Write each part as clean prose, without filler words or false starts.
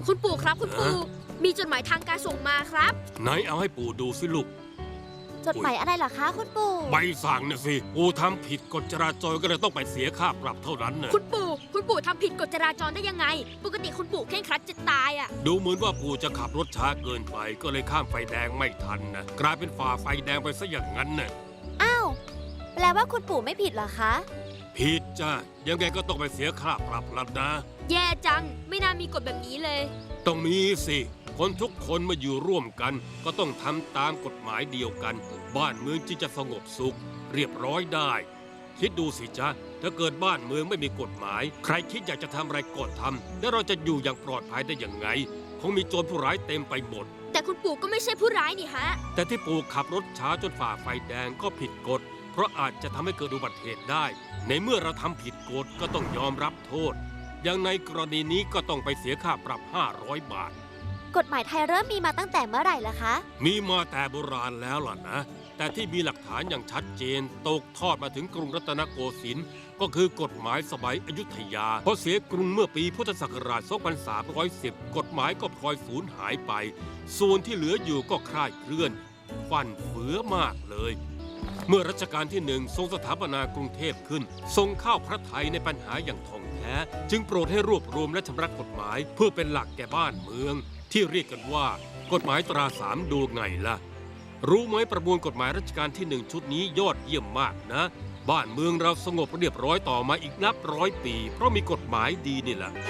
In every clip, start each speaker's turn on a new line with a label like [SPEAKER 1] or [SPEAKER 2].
[SPEAKER 1] คุณปู่ครับคุณปู่มีจดหมายทางการส่งมาครับ
[SPEAKER 2] ไหนเอาให้ปู่ดูสิลูก
[SPEAKER 3] จดหมายอะไรเหรอคะคุณปู่
[SPEAKER 2] ใบสั่งน่ะสิปู่ทำผิดกฎจราจรก็เลยต้องไปเสียค่าปรับเท่านั้นน่ะ
[SPEAKER 1] คุณปู่ทำผิดกฎจราจรได้ยังไงปกติคุณปู่เคร่งครัดจะตายอ่ะ
[SPEAKER 2] ดูเหมือนว่าปู่จะขับรถช้าเกินไปก็เลยข้ามไฟแดงไม่ทันนะกลายเป็นฝ่าไฟแดงไปซะอย่างนั้นน่ะ
[SPEAKER 3] อ้าวแปลว่าคุณปู่ไม่ผิดเหรอคะ
[SPEAKER 2] ผิดจ้ะยังไงก็ต้องไปเสียค่าปรับแล้วนะ
[SPEAKER 1] แย่จังไม่น่ามีกฎแบบนี้เลย
[SPEAKER 2] ต้องมีสิคนทุกคนมาอยู่ร่วมกันก็ต้องทำตามกฎหมายเดียวกันบ้านเมืองจึงจะสงบสุขเรียบร้อยได้คิดดูสิจ๊ะถ้าเกิดบ้านเมืองไม่มีกฎหมายใครคิดอยากจะทำอะไรก็ทำแล้วเราจะอยู่อย่างปลอดภัยได้อย่างไงคงมีโจรผู้ร้ายเต็มไปหมด
[SPEAKER 1] แต่คุณปู่ก็ไม่ใช่ผู้ร้ายนี่ฮะ
[SPEAKER 2] แต่ที่ปู่ขับรถช้าจนฝ่าไฟแดงก็ผิดกฎเพราะอาจจะทำให้เกิดอุบัติเหตุได้ในเมื่อเราทำผิดกฎก็ต้องยอมรับโทษอย่างในกรณีนี้ก็ต้องไปเสียค่าปรับ500 บาท
[SPEAKER 3] กฎหมายไทยเริ่มมีมาตั้งแต่เมื่อไหร่ล่ะคะ
[SPEAKER 2] มีมาแต่โบราณแล้วล่ะนะแต่ที่มีหลักฐานอย่างชัดเจนตกทอดมาถึงกรุงรัตนโกสินทร์ก็คือกฎหมายสมัยอยุธยาพอเสียกรุงเมื่อปีพุทธศักราช 2310 กฎหมายก็พลอยสูญหายไปส่วนที่เหลืออยู่ก็คลาดเคลื่อนฟั่นเฟือมากเลยเมื่อรัชกาลที่1ทรงสถาปนากรุงเทพขึ้นทรงเข้าพระทัยในปัญหาอย่างท่องแท้จึงโปรดให้รวบรวมและชำระกฎหมายเพื่อเป็นหลักแก่บ้านเมืองที่เรียกกันว่ากฎหมายตรา3 ดวงไงล่ะรู้ไหมประมวลกฎหมายรัชกาลที่1ชุดนี้ยอดเยี่ยมมากนะบ้านเมืองเราสงบเรียบร้อยต่อมาอีกนับ100 ปีเพราะมีกฎหมายดีนี่แหละ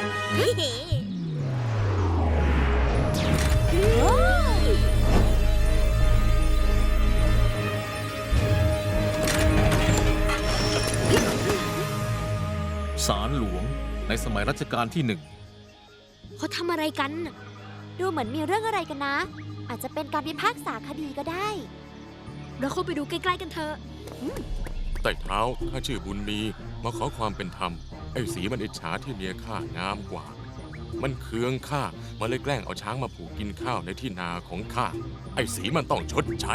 [SPEAKER 4] ศาลหลวงในสมัยรัชกาลที่1
[SPEAKER 1] เขาทำอะไรกัน
[SPEAKER 3] ดูเหมือนมีเรื่องอะไรกันนะอาจจะเป็นการพิพากษาคดีก็ได้
[SPEAKER 1] เราเข้าไปดูใกล้ๆกันเถอะ
[SPEAKER 5] ไต่เท้าข้าชื่อบุญมีมาขอความเป็นธรรมไอ้สีมันอิจฉาที่เมียข้างามกว่ามันเคืองข้ามันเลยแกล้งเอาช้างมาผูกกินข้าวในที่นาของข้าไอ้สีมันต้องชดใช้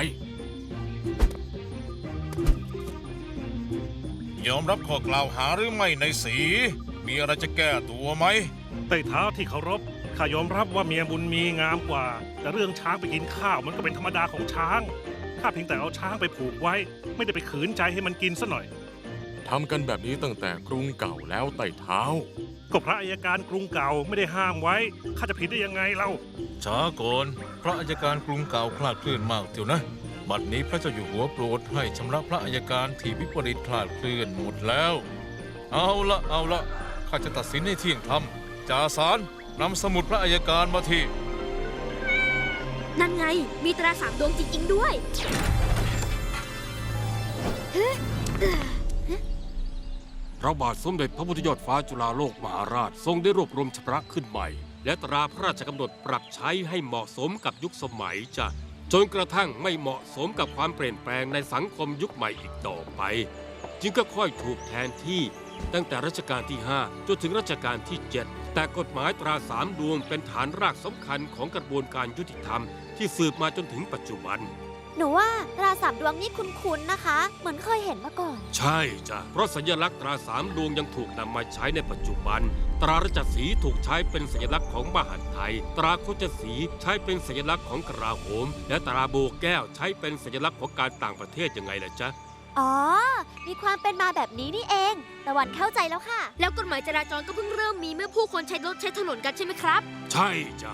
[SPEAKER 6] ยอมรับข้อกล่าวหาหรือไม่ในสีมีอะไรจะแก้ตัวไหม
[SPEAKER 7] ไต่เท้าที่เคารพข้ายอมรับว่าเมียบุญมีงามกว่าแต่เรื่องช้างไปกินข้าวมันก็เป็นธรรมดาของช้างข้าเพียงแต่เอาช้างไปผูกไว้ไม่ได้ไปขืนใจให้มันกินซะหน่อย
[SPEAKER 5] ทำกันแบบนี้ตั้งแต่กรุงเก่าแล้วไต่เท้า
[SPEAKER 7] ก็พระอัยการกรุงเก่าไม่ได้ห้ามไว้ข้าจะผิดได้ยังไงเล่า
[SPEAKER 6] ช้าก่อนพระอัยการกรุงเก่าคลาดเคลื่อนมากเดี๋ยวนะบัดนี้พระเจ้าอยู่หัวโปรดให้ชำระพระอัยการที่วิปริตคลาดเคลื่อนหมดแล้วเอาละข้าจะตัดสินให้เที่ยงธรรมจ่าศาลนำสมุดพระอัยการมาที
[SPEAKER 1] นั่นไงมีตรา3 ดวงจริงๆด้วย
[SPEAKER 2] พระบาทสมเด็จพระพุทธยอดฟ้าจุฬาโลกมหาราชทรงได้รวบรวมชำระขึ้นใหม่และตราพระราชกำหนดปรับใช้ให้เหมาะสมกับยุคสมัยจ้ะจนกระทั่งไม่เหมาะสมกับความเปลี่ยนแปลงในสังคมยุคใหม่อีกต่อไปจึงก็ค่อยถูกแทนที่ตั้งแต่รัชกาลที่5จนถึงรัชกาลที่7แต่กฎหมายตรา3 ดวงเป็นฐานรากสำคัญของกระบวนการยุติธรรมที่สืบมาจนถึงปัจจุบัน
[SPEAKER 3] หนูว่าตรา3 ดวงนี่คุ้นๆนะคะเหมือนเคยเห็นมาก่อน
[SPEAKER 2] ใช่จ้ะเพราะสัญลักษณ์ตรา3 ดวงยังถูกนำมาใช้ในปัจจุบันตราราชสีห์ถูกใช้เป็นสัญลักษณ์ของมหาดไทยตราโคจสีห์ใช้เป็นสัญลักษณ์ของกลาโหมและตราโบแก้วใช้เป็นสัญลักษณ์ของการต่างประเทศยังไงล่ะจ๊ะ
[SPEAKER 3] อ๋อมีความเป็นมาแบบนี้นี่เองตะวันเข้าใจแล้วค่ะ
[SPEAKER 1] แล้วกฎหมายจราจรก็เพิ่งเริ่มมีเมื่อผู้คนใช้รถใช้ถนนกันใช่ไหมครับ
[SPEAKER 2] ใช่จ้ะ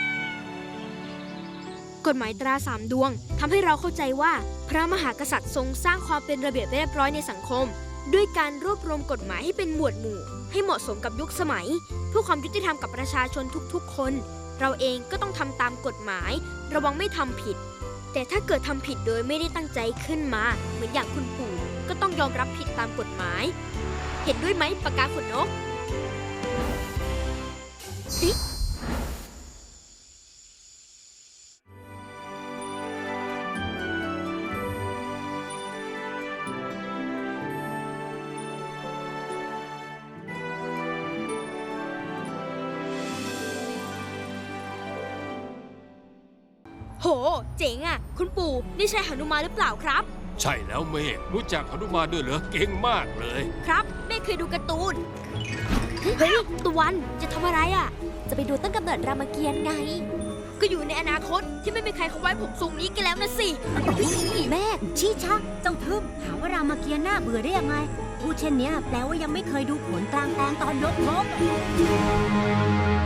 [SPEAKER 1] กฎหมายตรา3 ดวงทำให้เราเข้าใจว่าพระมหากษัตริย์ทรงสร้างความเป็นระเบียบเรียบร้อยในสังคมด้วยการรวบรวมกฎหมายให้เป็นหมวดหมู่ให้เหมาะสมกับยุคสมัยเพื่อความยุติธรรมกับประชาชนทุกๆคนเราเองก็ต้องทำตามกฎหมายระวังไม่ทำผิดแต่ถ้าเกิดทำผิดโดยไม่ได้ตั้งใจขึ้นมาเหมือนอย่างคุณปู่ก็ต้องยอมรับผิดตามกฎหมายเห็นด้วยไหมปากกาขนนกโหเจ๋งอ่ะคุณปู่นี่ใช่หนุมานหรือเปล่าครับ
[SPEAKER 2] ใช่แล้วเมฆรู้จักหนุมานด้วยเหรอเก่งมากเลย
[SPEAKER 1] ครับเมฆเคยดูการ์ตูนเฮ้ยตะวันจะทำอะไรอ่ะ
[SPEAKER 3] จะไปดูต้นกำเนิดรามเกียรติ์ไง
[SPEAKER 1] ก็อยู่ในอนาคตที่ไม่มีใครเขาไว้ผมทรงนี้กันแล้วนะสิ
[SPEAKER 8] แม่ชี้ชักเจ้าทึบหาว่ารามเกียรติ์น่าเบื่อได้ยังไงพูดเช่นเนี้ยแปลว่ายังไม่เคยดูผลกลางแปลงตอนยกธง